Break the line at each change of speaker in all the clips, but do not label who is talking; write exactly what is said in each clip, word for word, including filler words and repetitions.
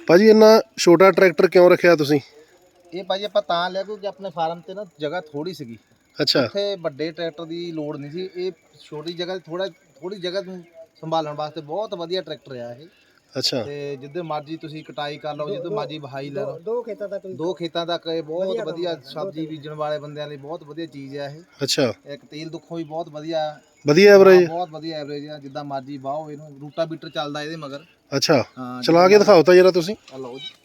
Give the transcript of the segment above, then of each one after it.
ਭਾਜੀ ਇੰਨਾ ਛੋਟਾ ਟਰੈਕਟਰ ਕਿਉਂ ਰੱਖਿਆ ਤੁਸੀਂ?
ਇਹ ਭਾਜੀ ਆਪਾਂ ਤਾਂ ਲਿਆ ਕਿਉਂਕਿ ਆਪਣੇ ਫਾਰਮ ਤੇ ਨਾ ਜਗ੍ਹਾ ਥੋੜੀ ਸੀਗੀ।
ਅੱਛਾ।
ਇੱਥੇ ਵੱਡੇ ਟਰੈਕਟਰ ਦੀ ਲੋੜ ਨਹੀਂ ਸੀ। ਇਹ ਛੋਟੀ ਜਗ੍ਹਾ ਥੋੜਾ ਥੋੜੀ ਜਗ੍ਹਾ ਨੂੰ ਸੰਭਾਲਣ ਵਾਸਤੇ ਬਹੁਤ ਵਧੀਆ ਟਰੈਕਟਰ ਆ ਇਹ।
ਅੱਛਾ।
ਤੇ ਜਿੱਦੇ ਮਰਜੀ ਤੁਸੀਂ ਕਟਾਈ ਕਰ ਲਓ, ਜਿੱਦੋਂ ਮਰਜੀ ਵਹਾਈ ਲੈ ਲਓ।
ਦੋ ਖੇਤਾਂ ਤੱਕ
ਦੋ ਖੇਤਾਂ ਤੱਕ ਇਹ ਬਹੁਤ ਵਧੀਆ ਸਬਜ਼ੀ ਬੀਜਣ ਵਾਲੇ ਬੰਦਿਆਂ ਲਈ ਬਹੁਤ ਵਧੀਆ ਚੀਜ਼ ਆ ਇਹ।
ਅੱਛਾ।
ਇੱਕ ਤੇਲ ਦੁੱਖੋਂ ਵੀ ਬਹੁਤ ਵਧੀਆ
ਵਧੀਆ ਐਵਰੇਜ?
ਬਹੁਤ ਵਧੀਆ ਐਵਰੇਜ ਆ, ਜਿੱਦਾਂ ਮਰਜੀ ਵਾਹੋ ਇਹਨੂੰ। ਰੂਟਾ ਬੀਟਰ ਚੱਲਦਾ ਇਹਦੇ ਮਗਰ।
ਅੱਛਾ, ਚਲਾ ਕੇ ਦਿਖਾਓ ਤਾਂ ਜਰਾ ਤੁਸੀਂ।
ਆ ਲਓ ਜੀ।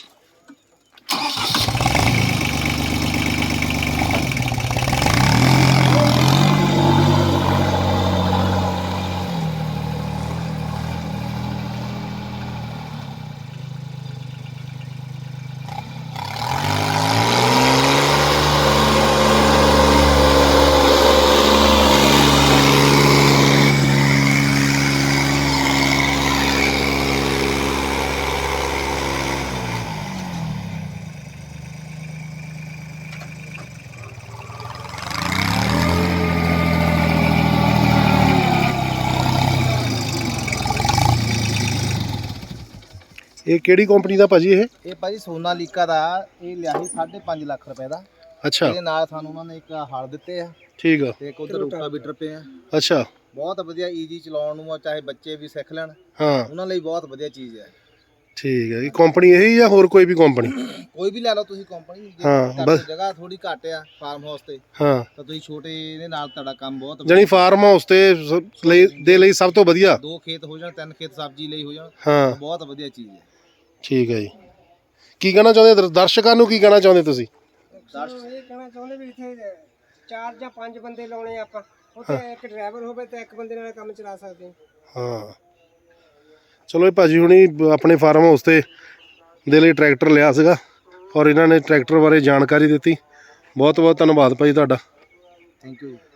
ਇਹ ਕਿਹੜੀ ਕੰਪਨੀ ਦਾ ਭਾਜੀ ਇਹ?
ਇਹ ਭਾਜੀ ਸੋਨਾਲੀਕਾ ਦਾ। ਇਹ ਲਿਆ ਸੀ ਸਾਢੇ ਪੰਜ ਲੱਖ ਰੁਪਏ ਦਾ।
ਅੱਛਾ।
ਇਹਦੇ ਨਾਲ ਸਾਨੂੰ ਉਹਨਾਂ ਨੇ ਇੱਕ ਹਲ ਦਿੱਤੇ ਆ।
ਠੀਕ ਆ।
ਤੇ ਇੱਕ ਉਧਰ ਰੂਟਾ ਬੀਟਰ ਪਏ ਆ।
ਅੱਛਾ।
ਬਹੁਤ ਵਧੀਆ ਈਜੀ ਚਲਾਉਣ ਨੂੰ, ਚਾਹੇ ਬੱਚੇ ਵੀ ਸਿੱਖ ਲੈਣ,
ਹਾਂ,
ਉਹਨਾਂ ਲਈ ਬਹੁਤ ਵਧੀਆ ਚੀਜ਼ ਹੈ।
ਠੀਕ ਹੈ। ਇਹ ਕੰਪਨੀ ਇਹੀ ਜਾਂ ਹੋਰ ਕੋਈ ਵੀ ਕੰਪਨੀ?
ਕੋਈ ਵੀ ਲੈ ਲਓ ਤੁਸੀਂ ਕੰਪਨੀ।
ਹਾਂ, ਬਸ
ਜਗ੍ਹਾ ਥੋੜੀ ਘੱਟ ਆ ਫਾਰਮ ਹਾਊਸ ਤੇ,
ਹਾਂ,
ਤਾਂ ਤੁਸੀਂ ਛੋਟੇ ਇਹਦੇ ਨਾਲ ਤੁਹਾਡਾ ਕੰਮ ਬਹੁਤ
ਜਾਨੀ ਫਾਰਮ ਹਾਊਸ ਤੇ ਸ- ਲਈ ਦੇ ਲਈ ਸਭ ਤੋਂ ਵਧੀਆ।
ਦੋ ਖੇਤ ਹੋ ਜਾਣ, ਤਿੰਨ ਖੇਤ ਸਬਜ਼ੀ ਲਈ ਹੋ ਜਾਣ,
ਹਾਂ,
ਬਹੁਤ ਵਧੀਆ ਚੀਜ਼ ਹੈ।
ਠੀਕ ਹੈ ਜੀ। ਕੀ ਕਹਿਣਾ ਚਾਹੁੰਦੇ ਦਰ- ਦਰਸ਼ਕਾਂ ਨੂੰ ਕੀ ਕਹਿਣਾ ਚਾਹੁੰਦੇ ਤੁਸੀਂ?
ਇਹ ਕਹਿਣਾ ਚਾਹੁੰਦੇ ਵੀ ਇੱਥੇ ਚਾਰ ਜਾਂ ਪੰਜ ਬੰਦੇ ਲਾਉਣੇ ਆਪਾਂ। ਉੱਥੇ ਇੱਕ ਡਰਾਈਵਰ ਹੋਵੇ ਤਾਂ ਇੱਕ ਬੰਦੇ ਨਾਲ ਕੰਮ ਚਲਾ ਸਕਦੇ ਹਾਂ।
ਹਾਂ, ਚਲੋ ਇਹ ਭਾਜੀ ਹੁਣੀ ਆਪਣੇ ਫਾਰਮ ਹਾਊਸ ਤੇ ਦੇ ਲਈ ਟਰੈਕਟਰ ਲਿਆ ਸੀਗਾ ਔਰ ਇਹਨਾਂ ਨੇ ਟਰੈਕਟਰ ਬਾਰੇ ਜਾਣਕਾਰੀ ਦਿੱਤੀ। ਬਹੁਤ ਬਹੁਤ ਧੰਨਵਾਦ ਭਾਜੀ ਤੁਹਾਡਾ।
Thank you.